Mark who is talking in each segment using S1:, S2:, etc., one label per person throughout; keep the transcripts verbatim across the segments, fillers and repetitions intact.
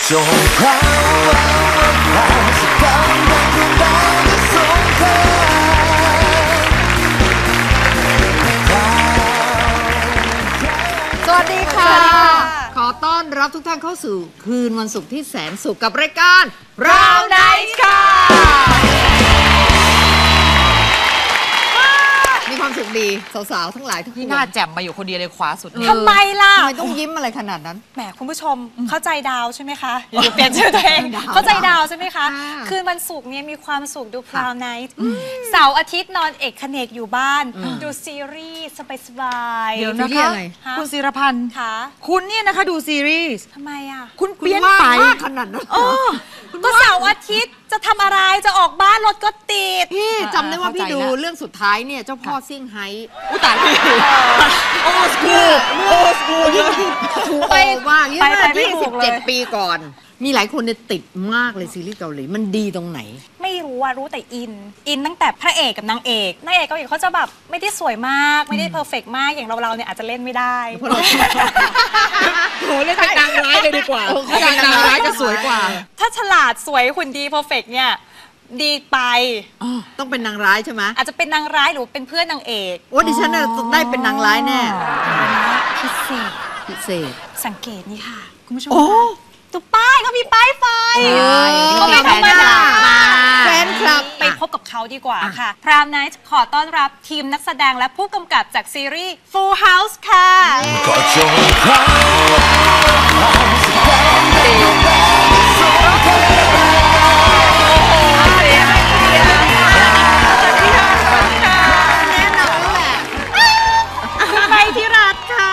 S1: จงพราวพราวสักครั้งดังดวงดาวจะส่งเธอ
S2: สวัสดีค่ะขอต้อนรับทุกท่านเข้าสู่คืนวันศุกร์ที่แสนสุขกับรายการ Brown Night ค่ะมีความสุขดีสาวๆทั้งหลายทุกคน
S3: พี่หน้าแจ่มมาอยู่คนเดียวเลยขวาสุด
S2: ทำไมล่ะทำไมต้องยิ้มอะไรขนาดนั้น
S4: แหมคุณผู้ชมเข้าใจดาวใช่ไหมคะอย่าเปลี่ยนชื่อตัวเองเข้าใจดาวใช่ไหมคะคืนวันศุกร์เนี่ยมีความสุขดู Brown Night เสาร์อาทิตย์นอนเอกเขนกอยู่บ้านดูซีรีส์สบายๆ
S3: เดี๋ยวนะคะคุณศิรพันธ์
S4: ค่ะ
S3: คุณเนี่ยนะคะดูซีรีส์
S4: ทำไมอ่ะ
S3: คุณเปลี่ยนไป
S2: ขนาดนั้น
S4: ก็เสาร์อาทิตย์จะทำอะไรจะออกบ้านรถก็ติด
S2: พี่จำได้ว่าพี่ดูเรื่องสุดท้ายเนี่ยเจ้าพ่อซิ่งไฮ้
S3: อุตายพี่โอ้สกูโอ้สกู
S2: ถูกไปมากยี่สิบเจ็ดปีก่อนมีหลายคนเนี่ยติดมากเลยซีรีส์เกาหลีมันดีตรงไหน
S4: ไม่รู้ว่ารู้แต่อินอินตั้งแต่พระเอกกับนางเอกนางเอกเกาหลีเขาจะแบบไม่ได้สวยมากไม่ได้เพอร์เฟกต์มากอย่างเราเราเนี่ยอาจจะเล่นไม่ได้
S3: โหเล่นเป็นนางร้ายเลยดีกว่าถ้านางร้ายจะสวยกว่า
S4: ถ้าฉลาดสวยหุ่นดีเพอร์เฟกต์เนี่ยดีไป
S2: ต้องเป็นนางร้ายใช่ไหม
S4: อาจจะเป็นนางร้ายหรือเป็นเพื่อนนางเอก
S2: โอ้ดิฉันได้เป็นนางร้ายแน่
S4: พิเศษ
S2: พิเศษ
S4: สังเกตนี่ค่ะคุณผู้ชมดูป้ายเขามีป้ายไฟ
S2: เขาไม่ธรรมดาแฟนคลับ
S4: ไปพบกับเขาดีกว่าค่ะ Brown Night ขอต้อนรับทีมนักแสดงและผู้กำกับจากซีรีส์ Full House ค่ะ
S1: ก็จงพราวสักครั้งดังดวงดาวจะส่งเธอ
S2: แน่นอนแหละ
S4: คุณใบที่รักค่ะ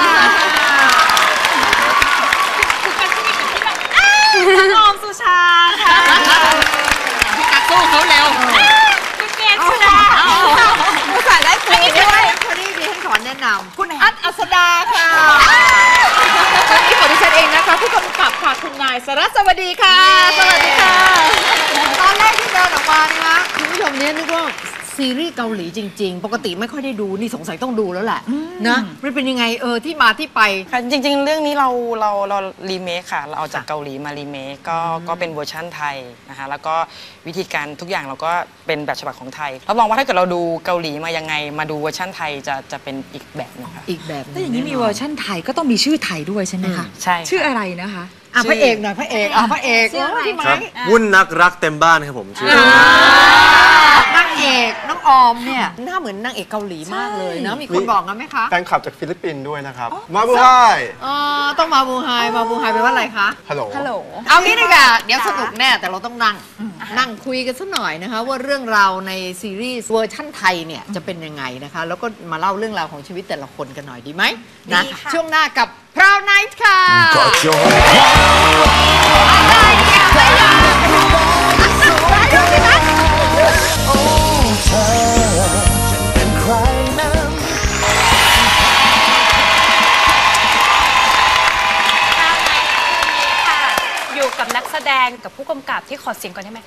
S4: คุณออมสุชาค่ะ
S3: พี่กักสู้เขาเร็ว
S4: คุณเกศสุดา
S2: ผู้สายได้คุยด้วยคนนี้ดิฉันขอแนะนำคุณอัดอัศดาค่ะ
S3: วันนี้ขอดิฉันเองนะคะผู้กำกับค่ะคุณนายสรัสวัสดีค่ะ
S2: สวัสดีค่ะตอนแรกที่เดินออกมานะคะคุณผู้ชมเนี่ยนึกว่าซีรีส์เกาหลีจริงๆปกติไม่ค่อยได้ดูนี่สงสัยต้องดูแล้วแหละนะมันเป็นยังไงเออที่มาที่ไป
S5: ค่ะจริงๆเรื่องนี้เราเราเรารีเมคค่ะเราเอาจากเกาหลีมารีเมคก็ก็เป็นเวอร์ชั่นไทยนะคะแล้วก็วิธีการทุกอย่างเราก็เป็นแบบฉบับของไทยรับรองว่าถ้าเกิดเราดูเกาหลีมายังไงมาดูเวอร์ชั่นไทยจะจะเป็นอีกแบบนึงค่ะ
S2: อีกแบบ
S3: ถ้าอย่างนี้มีเวอร์ชั่นไทยก็ต้องมีชื่อไทยด้วยใช่ไหมคะ
S5: ใช่
S3: ชื่ออะไรนะคะ
S2: อ่ะพระเอกหน่อยพระเอกอ่ะพระเอกที่
S6: ครับวุ่นนักรักเต็มบ้านครับผมชื่
S2: อนางเอกน้องออมเนี่ยหน้าเหมือนนางเอกเกาหลีมากเลยนะมีคนบอกกันไหมคะ
S6: แฟนคลับจากฟิลิปปินส์ด้วยนะครับมาบูไฮ
S2: อ๋อต้องมาบูไฮมาบูไฮแปลว่าอะไรคะ
S6: ฮัลโหล
S4: ฮัลโหล
S2: เอางี้ดีกว่าเดี๋ยวสนุกแน่แต่เราต้องนั่งนั่งคุยกันสักหน่อยนะคะว่าเรื่องราวในซีรีส์เวอร์ชั่นไทยเนี่ยจะเป็นยังไงนะคะแล้วก็มาเล่าเรื่องราวของชีวิตแต่ละคนกันหน่อยดีไหมนะช่วงหน้ากับ Brown Night ค่ะ
S1: ก็จงโอ้เธอจะเป็นใครนั้น
S4: อยู่กับนักแสดงกับผู้กำกับที่ขอเสียงก่อนได้ไหม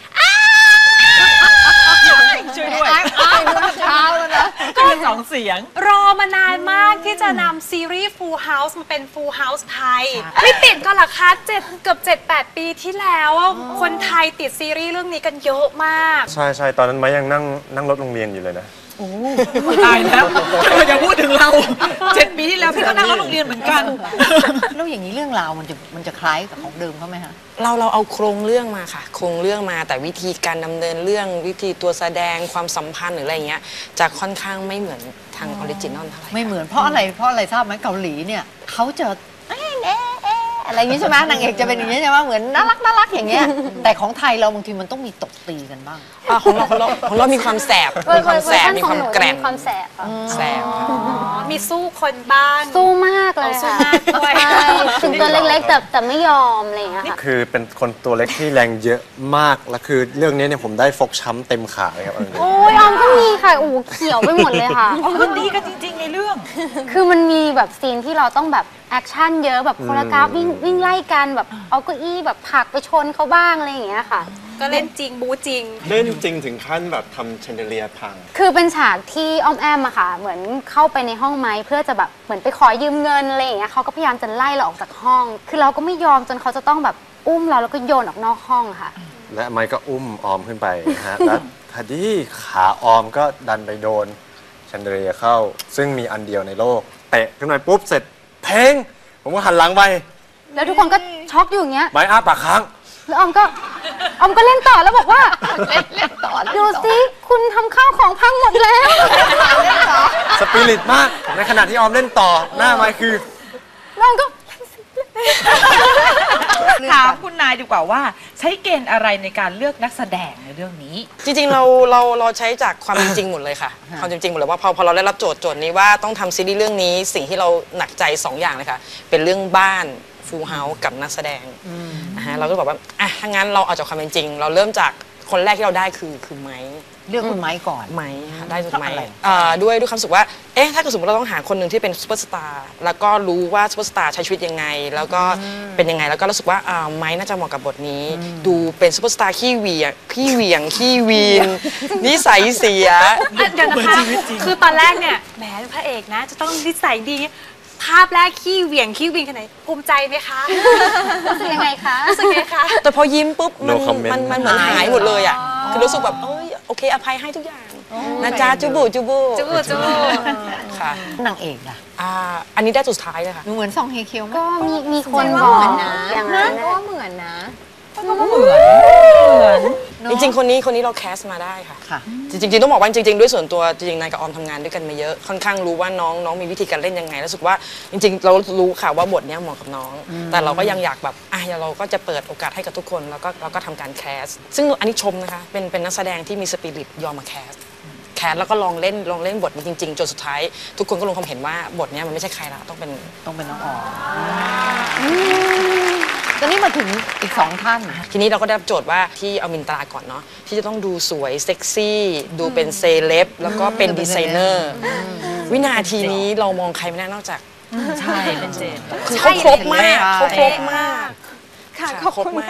S4: ช่วยด้วย
S2: เช้าแล้วนะ
S3: ก็สองเสียง
S4: รอมานานมากที่จะนำซีรีส์ Full House มาเป็น Full House ไทยไม่ติดก็หรอคะเจ็ดเกือบเจ็ดแปดปีที่แล้วคนไทยติดซีรีส์เรื่องนี้กันเยอะมาก
S6: ใช่ใช่ตอนนั้นมายังนั่งนั่งรถโรงเรียนอยู่เลยนะ
S3: โอ้ตายแล้วอย่าพูดถึงเราเจ็ดปีที่แล้วพี่ก็นั่งรถโรงเรียนเหมือนกัน
S2: แล้วอย่างนี้เรื่องราวมันจะมันจะคล้ายกับของเดิมเขาไหมคะ
S5: เราเราเอาโครงเรื่องมาค่ะโครงเรื่องมาแต่วิธีการดำเนินเรื่องวิธีตัวแสดงความสัมพันธ์หรืออะไรเงี้ยจะค่อนข้างไม่เหมือนทางออริจินอลเท่าไหร่
S2: ไม่เหมือนเพราะอะไรเพราะอะไรทราบไหมเกาหลีเนี่ยเขาจะอะไรอย่างนี้ใช่ไหมนางเอกจะเป็นอย่างนี้ใช่ไหมเหมือนน่ารักน่ารักอย่างเงี้ยแต่ของไทยเราบางทีมันต้องมีตบตีกันบ้าง
S5: ของเราของเราของเรามีความแสบมีความแสบมีความแกร่ง
S7: มีความแสบ
S5: แสบ
S4: มีสู้คนบ้าน
S7: สู้มากเลยค่ะถึงตัวเล็กๆแต่แต่ไม่ยอมอะไรอย่างเงี้ยค่ะ
S6: คือเป็นคนตัวเล็กที่แรงเยอะมากแล้วคือเรื่องนี้เนี่ยผมได้ฟกช้ำเต็มขาเลยครับ
S7: โอ้ยออมก็มีค่ะโอ้เขียวไปหมดเลยค่ะ
S3: อ๋อมันดีกันจริงๆในเรื่อง
S7: คือมันมีแบบซีนที่เราต้องแบบแอคชั่นเยอะแบบโคโรกราฟวิ่งวิ่งไล่กันแบบเอาเก้าอี้แบบผลักไปชนเขาบ้างอะไรอย่างเงี้ยค่ะ
S4: ก็เล่นจริงบู๊จริง
S6: เล่นจริงถึงขั้นแบบทำเชนเดเลียพัง
S7: คือเป็นฉากที่อ้อมแอมอะค่ะเหมือนเข้าไปในห้องไม้เพื่อจะแบบเหมือนไปขอยืมเงินอะไรอย่างเงี้ยเขาก็พยายามจะไล่เราออกจากห้องคือเราก็ไม่ยอมจนเขาจะต้องแบบอุ้มเราแล้วก็โยนออกนอกห้องค่ะ
S6: และไมค์ก็อุ้มออมขึ้นไปนะฮะ แล้วพอดีขาออมก็ดันไปโดนแชนเดลียเข้า ซึ่งมีอันเดียวในโลกเตะขึ้นไปปุ๊บเสร็จเพลงผมก็หันหลังไป
S7: แล้วทุกคนก็ช็อกอยู่อย่างเงี้ย
S6: ไม้อ้าปากค้าง
S7: แล้วออมก็ออมก็เล่นต่อแล้วบอกว่าเล่นเล่นต่อดูสิคุณทำข้าวของพังหมดแล้ว
S6: สปิริตมากในขณะที่ออมเล่นต่อหน้าไมค์คือ
S7: แล้วออมก็
S3: ถามคุณนายดีกว่าว่าใช้เกณฑ์อะไรในการเลือกนักแสดงในเรื่องนี้
S5: จริงๆเราเราเราใช้จากความเป็นจริงหมดเลยค่ะ ความเป็นจริงหมดเลยว่าพอพอเราได้รับโจทย์โจทย์นี้ว่าต้องทำซีรีส์เรื่องนี้สิ่งที่เราหนักใจสองอย่างเลยค่ะเป็นเรื่องบ้านฟูลเฮาส์กับนักแสดงนะฮะเราก็บอกว่าอ่ะถ้างั้นเราเอาจากความเป็นจริง เราเริ่มจากคนแรกที่เราได้คือคือไม้
S2: เลือกคุณไม้ก่อน
S5: ไม้ค่ะได้จาก
S2: เพราะ
S5: ไม้
S2: อะไร
S5: อ่าด้วยด้วยความรู้สึกว่าเอ๊ะถ้าเกิดสมมติเราต้องหาคนหนึ่งที่เป็นซูเปอร์สตาร์แล้วก็รู้ว่าซูเปอร์สตาร์ใช้ชีวิตยังไง แล้วก็เป็นยังไงแล้วก็รู้สึกว่าอ่าไม้น่าจะเหมาะกับบทนี้ ดูเป็นซูเปอร์สตาร์ขี้เหวี่ยงขี้เหวี่ยงขี้วีนนิสัยเสีย
S4: เดี๋ยวนะคะคือตอนแรกเนี่ยแหมพระเอกนะจะต้องนิสัยดี ภาพแรกขี้เหวี่ยงขี้วิงขนาดไหนภูมิใจไหมคะรู้สึกยังไงคะรู้สึกไงคะ
S5: แต่พอยิ้มปุ๊บมัน
S6: No comment
S5: มันมันเหมือนหายหมดเลยอ่ะคือรู้สึกแบบเอ้ยโอเคอภัยให้ทุกอย่างนะจ๊ะจูบูจูบู
S4: จูบูจูบู
S5: ค่ะ
S2: นางเอกล่ะ
S5: อ่าอันนี้ได้สุดท้ายเลยค่ะ
S2: หนูเหมือนซองเฮเคียวไหม
S7: ก็มีมีคนบอกนะอย่างนั้นก็เหมือนนะ
S5: จริงๆ คนนี้คนนี้เราแคสมาได้ค่ะ
S2: ค่ะ
S5: จริงๆจริงๆต้องบอกว่าจริงๆด้วยส่วนตัวจริงๆนายกับออมทำงานด้วยกันมาเยอะค่อนข้างรู้ว่าน้องน้องมีวิธีการเล่นยังไงรู้สึกว่าจริงๆ เรารู้ค่ะว่าบทเนี้ยเหมาะกับน้อง แต่เราก็ยังอยากแบบอ่ะเราก็จะเปิดโอกาสให้กับทุกคนแล้วก็เราก็ทำการแคสซึ่งอันนี้ชมนะคะเป็นเป็นนักแสดงที่มีสปิริตยอมมาแคสแคสแล้วก็ลองเล่นลองเล่นบทนี้จริงๆจนสุดท้ายทุกคนก็ลงความเห็นว่าบทเนี้ยมันไม่ใช่ใครละต้องเป็น
S2: ต้องเป็นน้องออมตอนนี้มาถึงอีกสองท่าน
S5: ทีนี้เราก็ได้รับโจทย์ว่าที่เอามินตราก่อนเนาะที่จะต้องดูสวยเซ็กซี่ดูเป็นเซเลบแล้วก็เป็นดีไซเนอร์วินาทีนี้เรามองใครไม่ได้นอกจาก
S3: ใช่เป็นเจน
S5: คือเขาครบมากเขาครบมาก
S7: ค่ะขอบ
S5: ครบ
S7: คุณ
S5: มาก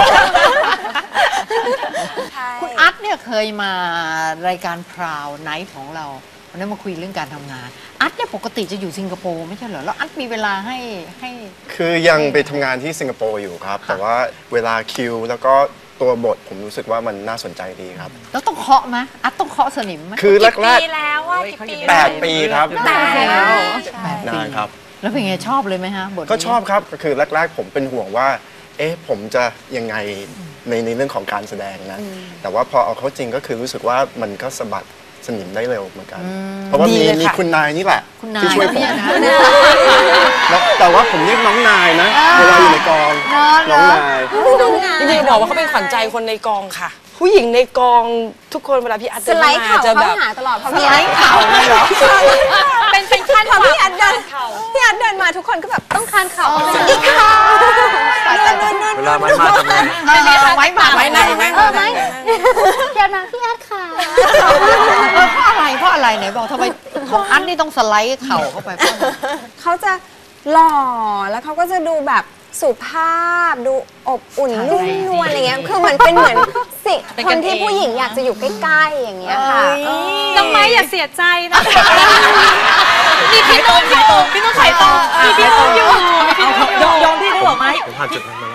S2: คุณอัดเนี่ยเคยมารายการพราวไนท์ของเราวันนั้นมาคุยเรื่องการทำงาน อัดเนี่ยปกติจะอยู่สิงคโปร์ไม่ใช่เหรอแล้วอัดมีเวลาให้ให้
S8: คือยังไปทำงานที่สิงคโปร์อยู่ครับ แต่ว่าเวลาคิวแล้วก็ตัวบทผมรู้สึกว่ามันน่าสนใจดีครับ
S2: แล้วต้องเคาะไหมอัดต้องเคาะสนิมไหม
S8: คือแรก
S4: ปีแล้วว่ากี่ปี
S8: ๆแปดปีครับ
S2: แต่แล้ว
S8: นานครับ
S2: แล้วเป็นไงชอบเลยไหมฮะบทนี้
S8: ก็ชอบครับคือแรก ๆ ผมเป็นห่วงว่า เอ๊ะผมจะยังไงในในเรื่องของการแสดงนะ แต่ว่าพอเอาเข้าจริงก็คือรู้สึกว่ามันก็สะบัดสนิมได้เร็วเหมือนกัน เพราะว่า
S5: ดี
S8: มี
S5: เลย
S8: มี
S5: ค่ะ
S8: คุณนายนี่แหละ
S2: คุณนาย
S8: ที่ช่วยผม
S2: เนี่ยนะ
S8: แล้วแต่ว่าผมเรียกน้องนายนะ เวลาอยู่ในกอง น้องนาย
S5: จริงๆบอกว่าเขาเป็นขวัญใจคนในกองค่ะ ผู้หญิงในกองทุกคนเวลาพี่อัด
S7: ส
S5: เดิน
S7: ไลด์
S5: มา
S7: เข่า
S5: จะแบ
S7: เข้า
S5: บ
S7: หาตลอดเพราะ
S2: ส
S7: พี่
S2: ไล
S7: อัด
S2: ด์เข่าเลยเหรอ
S4: เป็นเป็นขั้น
S7: พอพี่อัดเดินพี่อัดเดินมาทุกคนก็แบบต้องคานเข่าอีกค่ะ
S6: เวลาไม้มาทำไง
S2: เอาไว้มา
S5: ไว้นั่งนั่ง
S7: เออไหมพี่อัดมาพี่อัดค่ะ
S2: เออเพราะอะไรเพราะอะไรไหนบอกทำไมของอันนี่ต้องสไลด์เข่าเข้าไปเพราะอะไร
S9: เขาจะหล่อแล้วเขาก็จะดูแบบสุภาพดูอบอุ่นนุ่มนวลอะไรเงี้ยคือเหมือนเป็นเหมือนสิคนที่ผู้หญิงอยากจะอยู่ใกล้ๆอย่างเงี้ยค่ะ
S4: น้องไม้อย่าเสียใจนะคะมีพี่นุ่มอยู่พี่นุ่มไข่ตรงมีพี่นุ่มอยู่มีพี่นุ่มอยู่
S3: ยอมยอมพี่ได้หรอไหม
S6: ผมผ่านจุดนั้นมาแล้ว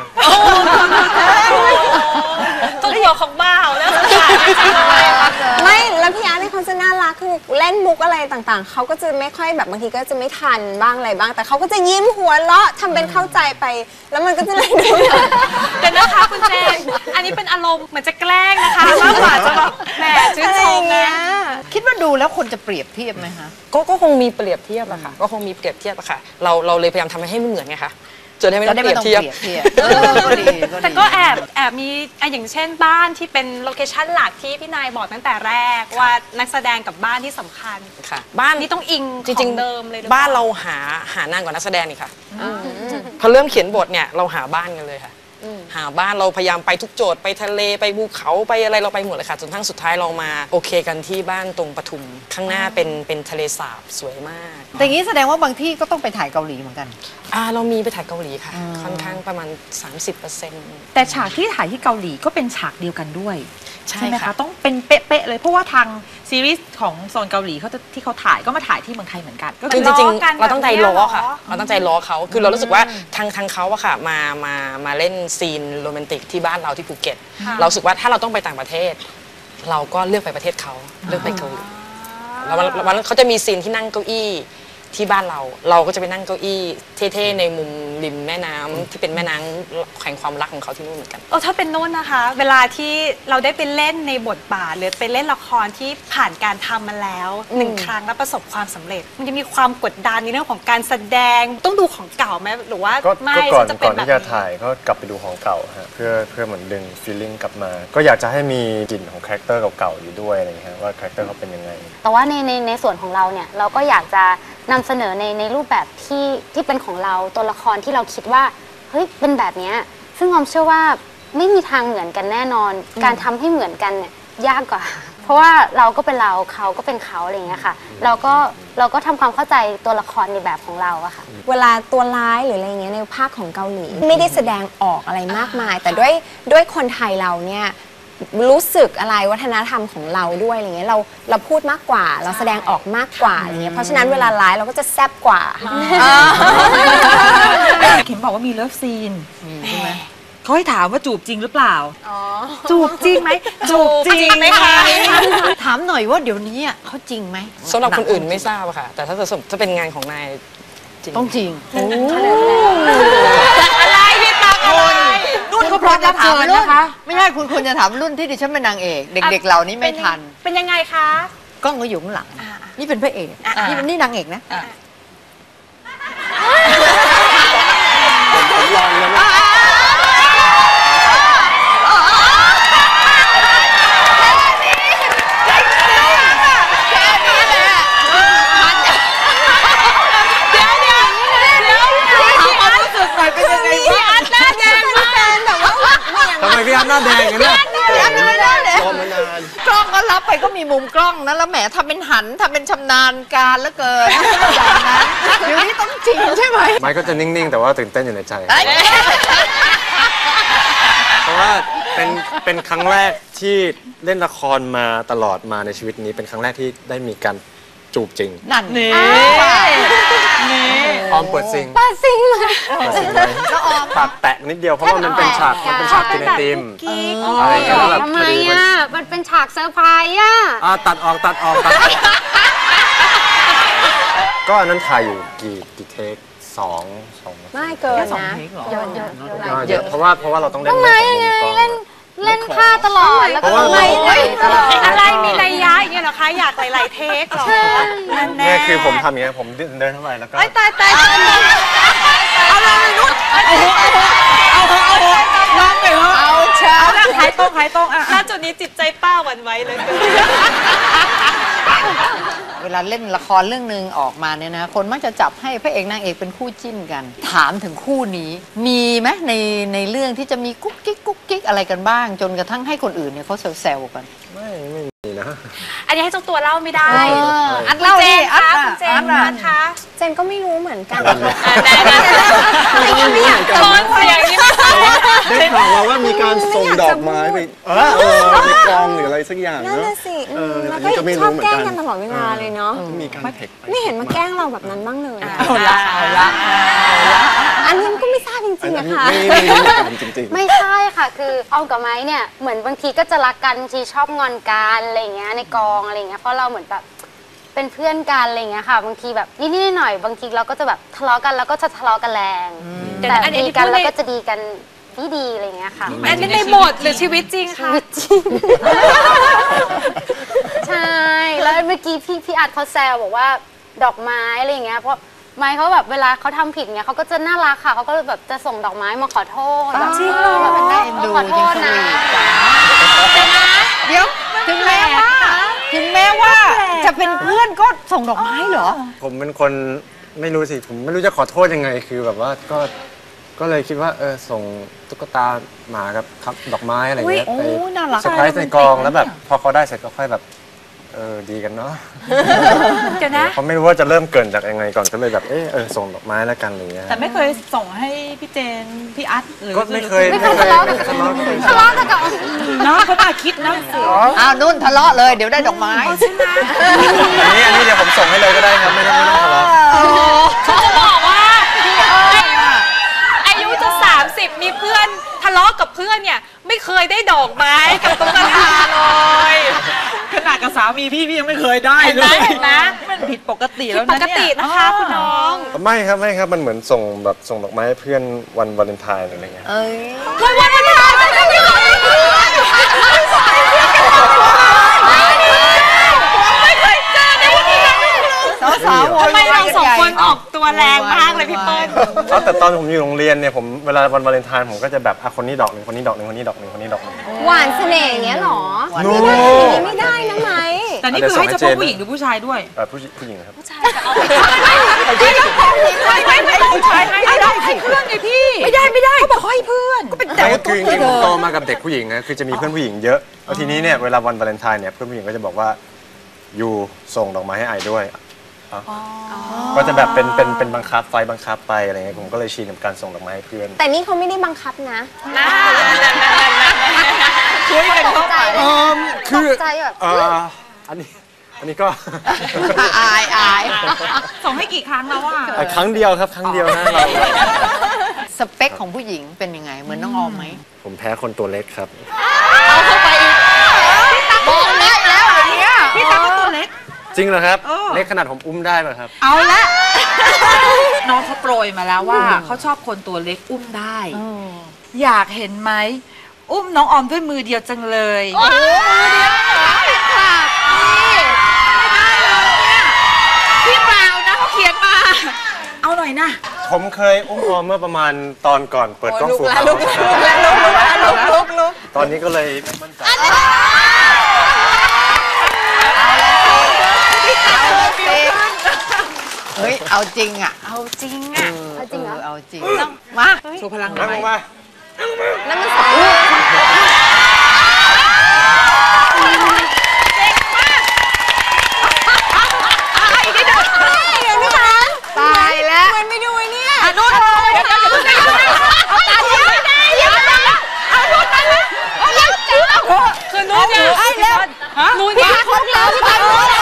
S4: ตัวหัวของบ้าแล้ว
S9: ไม่แล้วพี่อาร์ตเนี่ยเขาจะน่ารักคือเล่นมุกอะไรต่างๆเขาก็จะไม่ค่อยแบบบางทีก็จะไม่ทันบ้างอะไรบ้าง แต่เขาก็จะยิ้มหัวเราะทำเป็นเข้าใจไป แล้วมันก็จะเลยดู
S4: แต่นะคะคุณเจนอันนี้เป็นอารมณ์เหมือนจะแกล้งนะคะมากกว่าจะแบบแหมชื่นชมนะ
S2: คิดว่าดูแล้วคนจะเปรียบเทียบไหมคะ
S5: ก็ก็คงมีเปรียบเทียบอะค่ะก็คงมีเปรียบเทียบอะค่ะเราเราเลยพยายามทำให้มันเหมือนไงคะจนให้ไม่ต้องเปรียบเทียบ
S2: เออก็ดีก็ดี
S4: แต่ก็แอบแอบมีอ่ะอย่างเช่นบ้านที่เป็นโลเคชั่นหลักที่พี่นายบอกตั้งแต่แรกว่านักแสดงกับบ้านที่สำคัญ
S5: ค่ะบ้าน
S4: นี่ต้องอิง
S5: จริง
S4: ของ
S5: ๆ
S4: เดิมเลยหรือเปล่า
S5: บ้านเราหาหานานกว่านักแสดงนี่ค่ะพอเริ่มเขียนบทเนี่ยเราหาบ้านกันเลยค่ะหาบ้านเราพยายามไปทุกโจทย์ไปทะเลไปภูเขาไปอะไรเราไปหมดเลยค่ะจนทั้งสุดท้ายเรามาโอเคกันที่บ้านตรงปทุมข้างหน้าเป็นเป็นทะเลสาบสวยมาก
S2: แต่อย่างนี้แสดงว่าบางที่ก็ต้องไปถ่ายเกาหลีเหมือนกัน
S5: อ่าเรามีไปถ่ายเกาหลีค่ะ ค่อนข้างประมาณ สามสิบเปอร์เซ็นต์
S3: แต่ฉากที่ถ่ายที่เกาหลีก็เป็นฉากเดียวกันด้วย
S5: ใช่
S3: ใช่ไหม
S5: ค่ะ
S3: คะต้องเป็นเป๊ะๆเลยเพราะว่าทางซีรีส์ของโซนเกาหลีเขาจะที่เขาถ่ายก็มาถ่ายที่เมืองไทยเหมือนกันก็
S5: คือจ
S4: ล้อ
S5: ริง
S4: กัน
S5: ๆเราตั้งใจล้อค่ะ
S4: แบบเนี้ยเหรอ
S5: เราตั้งใจล้อเขาคือเรารู้สึกว่าทางทางเขาอะค่ะมามามาเล่นซีนโรแมนติกที่บ้านเราที่ภูเก็ตเราสึกว่าถ้าเราต้องไปต่างประเทศ เราก็เลือกไปประเทศเขาเลือกไปเกาหลีแล้ววันวันนั้นเขาจะมีซีนที่นั่งเก้าอี้ที่บ้านเราเราก็จะไปนั่งเก้าอี้เท่ๆในมุมริมแม่น้ำที่เป็นแม่น้ำแห่งความรักของเขาที่นู่นเหมือนกัน
S4: โอ้ถ้าเป็นโน่นนะคะ เวลาที่เราได้ไปเล่นในบทบาทหรือไปเล่นละครที่ผ่านการทำมาแล้วหนึ่งครั้งแล้วประสบความสำเร็จมันจะมีความกดดันในเรื่องของการแสดงต้องดูของเก่าไหมหรือว่า
S6: ก็
S4: ไม่
S6: ก่อน
S4: จะเป็
S6: ก่อน
S4: นแบบ
S6: ที่จะถ่ายก็กลับไปดูของเก่าฮะเพื่อเพื่อเหมือนดึงฟีลลิ่งกลับมา ก็อยากจะให้มีกลิ่นของคาแรคเตอร์เก่าๆอยู่ด้วยอะไรอย่างเงี้ยว่าคาแรคเตอร์เขาเป็นยังไง
S7: แต่ว่าในในในส่วนของเราเนี่ยเราก็อยากจะนำเสนอในในรูปแบบที่ที่เป็นของเราตัวละครที่เราคิดว่าเฮ้ยเป็นแบบเนี้ยซึ่งออมเชื่อว่าไม่มีทางเหมือนกันแน่นอน การทำให้เหมือนกันเนี่ยยากกว่า เพราะว่าเราก็เป็นเราเขาก็เป็นเขาอะไรอย่างเงี้ยค่ะเราก็เราก็ทำความเข้าใจตัวละครในแบบของเราอะค่ะ
S9: เวลาตัวร้ายหรืออะไรเงี้ยในภาคของเกาหลีไม่ได้แสดงออกอะไรมากมาย แต่ด้วยด้วยคนไทยเราเนี่ยรู้สึกอะไรวัฒนธรรมของเราด้วยอะไรเงี้ยเราเราพูดมากกว่าเราแสดงออกมากกว่าอะไรเงี้ยเพราะฉะนั้นเวลาร้ายเราก็จะแซ่บกว่า
S3: เข็มบอกว่ามีเลิฟซีน
S2: ใช่ไหม
S3: เขาให้ถามว่าจูบจริงหรือเปล่า
S4: จูบจริงไหมจูบจริงไหมคะ
S2: ถามหน่อยว่าเดี๋ยวนี้อะเขาจริงไหม
S5: สำหรับคนอื่นไม่ทราบอะค่ะแต่ถ้าจะถ้าเป็นงานของนายจริง
S2: ต้องจริง
S4: อะไรพี่ตักอะไร
S2: รุ่นเขาพร้อมรับเชิญนะคะ ไม่ใช่คุณควรจะถามรุ่นที่ดิฉันเป็นนางเอก เด็กๆเหล่านี้ไม่ทัน
S4: เป็นยังไงคะ
S2: กล้องก็อยู่ข้างหลัง นี่เป็นพระเอกนี่เป็นนี่นางเอกนะ
S8: ผมลองนะ
S6: ทำไมพี่อัพหน้าแดงกันเนี่ย
S2: พี่อัพหน้าแดงเลย
S8: รอมานาน
S2: กล้องก็รับไปก็มีมุมกล้องนะแล้วแหมทำเป็นหันทำเป็นชำนาญการเหลือเกินอย่างนั้นเดี๋ยวนี้ต้องจริงใช่ไหม
S6: ไม้ก็จะนิ่งๆ แต่ว่าตื่นเต้นอยู่ในใจ เพราะว่าเป็นเป็นครั้งแรกที่เล่นละครมาตลอดมาในชีวิตนี้เป็นครั้งแรกที่ได้มีการจูบจริง
S2: นั่นนี่
S6: ออมเปิดซิง
S7: ป้าซิงเลย
S6: เปิดซิงเลยปากแตะนิดเดียวเพราะว่ามันเป็นฉากมันเป็นฉากกินไอติมอะไรอย่างเงี้ยแล้วแบบ
S7: ทำไมอ่ะมันเป็นฉากเซอร์ไพรส์อ่ะ
S6: อ่ะตัดออกตัดออกตัดออกก็อันนั้นถ่ายอยู่กี่กี่เทคสองสอง
S9: ไม่เกินนะ
S7: เยอะเยอะ
S6: อ่าเยอะเพราะว่าเพราะว่าเราต้องเล่นเรื่องของมุมกล้อง
S7: เล่นผ้าตลอดแล้วก็
S6: เพราะว่า
S7: ไม่เล่นตลอด
S4: อะไรมีนัยยะอย่างเงี้ยเหรอคะอยากหลายๆเทคเหรอนั่นแน่
S6: เนี่ยคือผมทำอย่างเงี้ยผมเดินเข้าไปแล้วก็
S4: ตายตายตายเอาเลยนุชเอาเอาเอาเอาน้องไปเหรอเอาเช้าขายตรงขายตรงอ่ะณจุดนี้จิตใจป้าหวั่นไหวเลย
S2: เวลาเล่นละครเรื่องหนึ่งออกมาเนี่ยนะคนมักจะจับให้พระเอกนางเอกเป็นคู่จิ้นกัน ถามถึงคู่นี้ มีไหมในในเรื่องที่จะมีกุ๊กกิ๊กกุ๊กกิ๊กอะไรกันบ้าง จนกระทั่งให้คนอื่นเนี่ยเขาแซวๆกัน
S6: ไม่ไม่มีนะ
S4: อันนี้ให้เจ้าตัวเล่าไม่ได้
S2: อัดเล่าดิอัด
S4: คุณเจน
S2: อ่ะ
S4: นะคะ
S9: เจนก็ไม่รู้เหมือนกัน
S4: ไม่อยากจะร้อนเสียงนี้ไม่
S8: ได้ข่าวมาว่ามีการส่งดอกไม้ไปเออเออในกองหรืออะไรสักอย่าง
S9: นั่น
S8: เนาะ
S9: น่ะสิ
S8: เออ
S9: แล้ว
S8: อันนี้ก็
S9: ก็
S8: ไม่
S9: ช
S8: รู้
S9: อบ
S8: เหมือน
S9: แกล้
S8: กั
S9: ง
S8: น
S9: กันตลอดเวลาเลยเนาะ
S8: มีการเทคป
S9: ไม่เห็นมาแกล้งเราแบบนั้นบ้างเลยอะ
S2: เอาละเอาละ
S9: อันนี้มันก็ไม่ทราบจริงๆ
S8: อัน
S9: นะ
S8: นี้
S9: คะ
S8: ไม่ไม่รู้เหมือนกันจริงๆ
S7: ไม่ใช่ค่ะ คือออมกับไม้เนี่ยเหมือนบางทีก็จะรักกันบางทีชอบงอนกันอะไรเงี้ยในกองอะไรเงี้ยเพราะเราเหมือนแบบเป็นเพื่อนกันอะไรเงี้ยค่ะบางทีแบบนิดๆหน่อยๆบางทีเราก็จะแบบทะเลาะกันแล้วก็จะทะเลาะกันแรงแต่ดีกันแล้วก็จะดีกันดีๆอะไรเงี้ยค่ะ
S4: อันนี้ในบทหรือชีวิตจริงคะ
S7: ใช่แล้วเมื่อกี้พี่พี่อัดเขาแซวบอกว่าดอกไม้อะไรเงี้ยเพราะไม้เขาแบบเวลาเขาทำผิดเงี้ยเขาก็จะน่ารักค่ะเขาก็แบบจะส่งดอกไม้มาขอโทษแบบ
S2: จริงเหรอ
S7: แบบ
S2: น่าเอ็นดู
S7: ขอโทษนะ
S2: เดี๋ยวถึงแม้ว่าถึงแม้ว่าจะเป็นเพื่อนก็ส่งดอกไม้เหรอ
S6: ผมเป็นคนไม่รู้สิผมไม่รู้จะขอโทษยังไงคือแบบว่าก็ก็เลยคิดว่าเออส่งตุ๊กตาหมากับครับดอกไม้อะไรเงี้ย
S2: อุ๊
S6: ไป
S2: ยโอ้น่ารัก
S6: เซอร์ไพรส์ในกองแล้วแบบพอเขาได้เสร็จก็ค่อยแบบเออดีกันเนาะ
S4: เดี๋ยวนะ
S6: เขาไม่รู้ว่าจะเริ่มเกรินจากยังไงก่อนก็เลยแบบเออเออส่งดอกไม้แล้วกันอะไรเงี้ย
S3: แต่ไม่เคยส่งให้พี่เจน พี่อัดหรือ
S6: ก็ไม่เคย
S7: ไม่เคยทะเลาะกัน
S6: ทะเลาะกัน
S7: ทะเลาะกันกับ
S3: เนาะเขาน่าคิดนะ
S2: อ้าวนุ่นทะเลาะเลยเดี๋ยวได้ดอกไม้
S6: อันนี้อันนี้เดี๋ยวผมส่งให้เลยก็ได้ครับไม่ต้องไม่ต้องทะเลาะ
S4: เขาจะบอกว่าอายุจะสามสิบมีเพื่อนทะเลาะกับกับเพื่อนเนี่ยไม่เคยได้ดอกไม้กับตุ๊กตาเลย
S3: ขนาดกับสามีพี่พี่ยังไม่เคยได้เลย
S4: เห็นไหม
S3: มันผิดปกติ
S4: ผิ
S3: แล้
S4: ด
S3: ว
S4: ป
S3: นะ
S4: ก
S3: เนี่ย
S4: ตินะคะคุณน้อง
S6: ไม่ครับไม่ครับมันเหมือนส่งแบบส่งดอกไม้ให้เพื่อนวันวาเลนไทน์อะไรเงี้ย
S2: เอ้ย
S4: วันวันวันวันวันวันไม่เคยเจอในวันนี้
S2: สาวๆ
S4: ทำไมเราสองคนออกตัวแรงมากเลยพี่เปิ้ล
S6: เอาแต่ตอนผมอยู่โรงเรียนเนี่ยผมเวลาวันวาเลนไทน์ผมก็จะแบบอ่ะคนนี้ดอกหนึ่งคนนี้ดอกหนึ่งคนนี้ดอกหนึ่งคนนี้ดอกหนึ่ง
S9: หวานเสน่ห์อย่างเงี้ยเหรอ
S6: โน้
S9: ไม่ได้นะไหม
S3: แต่นี่คือให้เฉพาะผู้หญิงหรือผู้ชายด้วย
S6: เอ่อผู้ผู้หญิงครับ
S4: ผู้ชายจะเอาไปไม่ไม่ไม่ผู้ชายให้ได้ให้เพื่อนไงพี่ไม่ได้ไม่ได้เขาบอกให้เพื่อนก็เป็นแต่
S6: ไม่คือจริงๆผมโตมากับเด็กผู้หญิงนะคือจะมีเพื่อนผู้หญิงเยอะแล้วทีนี้เนี่ยเวลาวันวาเลนไทน์เนี่ยเพื่อนผู้หญิงก็จะบอกว่าอยู่ส่งดอกไม้ให้ไอด้วยก็จะแบบเป็นเป็นเป็นบังคับไฟบังคับไปอะไรเงี้ยผมก็เลยชินกับการส่งดอกไม้ให้เพื่อน
S9: แต่นี่เขาไม่ได้บังคับนะ
S3: ช่วยกันเข้าไป
S6: คือ
S9: ตกใจแบบ
S6: เอ่ออันนี้อันนี้ก็
S2: อายอาย
S3: ส่งให้กี่ครั้งแล้วอ่ะ
S6: อ่ะครั้งเดียวครับครั้งเดียวนะเรา
S2: สเปคของผู้หญิงเป็นยังไงเหมือนน้องออมไหม
S6: ผมแพ้คนตัวเล็กครับ
S2: เอาเข้าไปอีกบอกเล็กแล้วอย่างเงี้ย
S3: พี่ตั๊กก็ตัวเล็ก
S6: จริงเหรอครับ
S3: เออ
S6: เล็กขนาดผมอุ้มได้ป่ะครับ
S3: เอาละน้องเขาโปรยมาแล้วว่าเขาชอบคนตัวเล็กอุ้มได้ อยากเห็นไหมอุ้มน้องออมด้วยมือเดียวจังเลยพี่เปล่านะเขาเขียนมา เอาหน่อยนะ
S6: ผมเคยอุ้มออมเมื่อประมาณตอนก่อนเปิดกล้องฟูล
S9: ลุกแล้วลุกแล้วลุกแล้วลุกลุก
S6: ตอนนี้ก็เลยไม่มั่นใจ
S2: เฮ้ยเอาจริงอ่ะ
S4: เอาจริงอ่ะ
S2: เอาจริงเอาจริงมา
S3: โชว์พลังห
S6: นั่ง
S3: น่อย
S6: มา
S9: แล้วมันสอง
S2: ตายแล้ว
S9: มันไม่ดูไอ้เนี่ย
S3: อ่ะนู่นเดี๋ยวเดี๋ยวเดี๋ยวเดี๋ยวเอาตาเดียวเอานู่นนั่นเลยคือนู่นเนี่ยพี่บอลฮะนู่นเนี่ยคนเราพี่บอลนู่น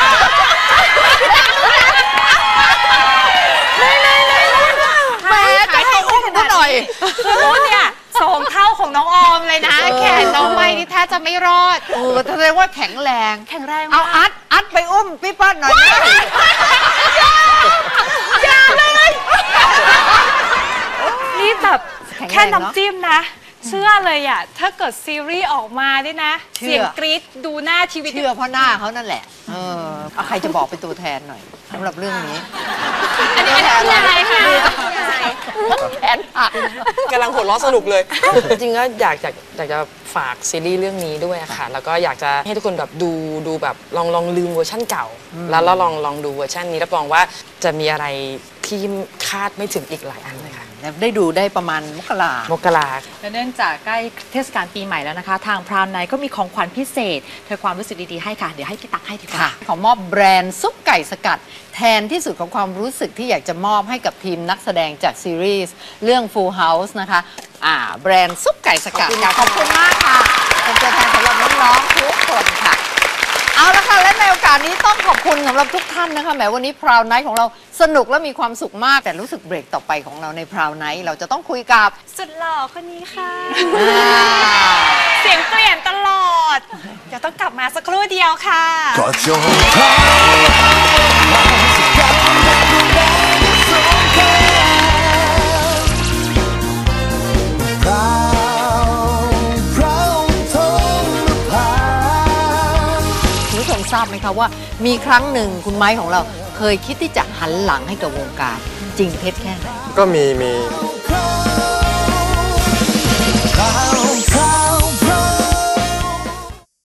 S2: แม่จะให้อุ้มก็หน่อย
S4: คือรุ่นเนี่ยสองเท่าของน้องออมเลยนะ แขนน้องไม่นี่แทบจะไม่รอด
S2: โอ้แสดงว่าแข็งแรง
S4: แข็งแรง
S2: เอา
S4: มาก
S2: อัดอัดไปอุ้มพี่ป้อนหน่อยนะ
S4: อย่าเลยนี่แบบแค่น้ำจิ้มนะ เชื่อเลยอ่ะ ถ้าเกิดซีรีส์ออกมาด้วยนะ เสียงกรี๊ดดูหน้าทีวี
S2: เชื่อเพราะหน้าเขานั่นแหละ เออเอาใครจะบอกเป็นตัวแทนหน่อยสำหรับเรื่องนี้
S4: อันนี้เป็นยังไงคะ
S2: แทนผัก
S5: กำลังหัวเราะสนุกเลย จริงๆก็อยากอยากอยากจะฝากซีรีส์เรื่องนี้ด้วยอะค่ะ แล้วก็อยากจะให้ทุกคนแบบดูดูแบบลองลองลืมเวอร์ชั่นเก่า แล้วแล้วลองลองดูเวอร์ชันนี้รับรองว่าจะมีอะไรที่คาดไม่ถึงอีกหลายอันเลยค่ะ
S2: ได้ดูได้ประมาณมกราม
S5: กรา
S3: และเนื่องจากใกล้เทศกาลปีใหม่แล้วนะคะ ทางพราวไนท์ก็มีของขวัญพิเศษเธอความรู้สึกดีๆให้ค่ะ เดี๋ยวให้พี่ตั๊กให้ดีกว่า
S2: ค่ะขอมอบแบรนด์ซุปไก่สกัด แทนที่สุดของความรู้สึกที่อยากจะมอบให้กับทีมนักแสดงจากซีรีส์เรื่อง Full House นะคะอ่าแบรนด์ซุปไก่สกัดค่ะขอบคุณมากค่ะเป็นตัวแทนสำหรับน้องๆทุกคนค่ะ เอาละค่ะและในโอกาสนี้ต้องขอบคุณสำหรับทุกท่านนะคะแหมวันนี้พราวไนท์ของเราสนุกและมีความสุขมากแต่รู้สึกเบรกต่อไปของเราในพราวไนท์เราจะต้องคุยกับ
S4: สุดหล่อคนนี้ค่ะ
S2: อ่า
S4: เสียงเปลี่ยนตลอด เดี๋ยวต้องกลับมาสักครู่เดียวค่ะ
S1: ก็จงพราวสักการได้ดูแลสงครามพราวพราวทงนภา
S2: คุณผู้ชมทราบไหมคะว่ามีครั้งหนึ่งคุณไม้ของเราเคยคิดที่จะหันหลังให้กับวงการจริงเท็จแค่ไหน
S6: ก็มีมี
S1: พราว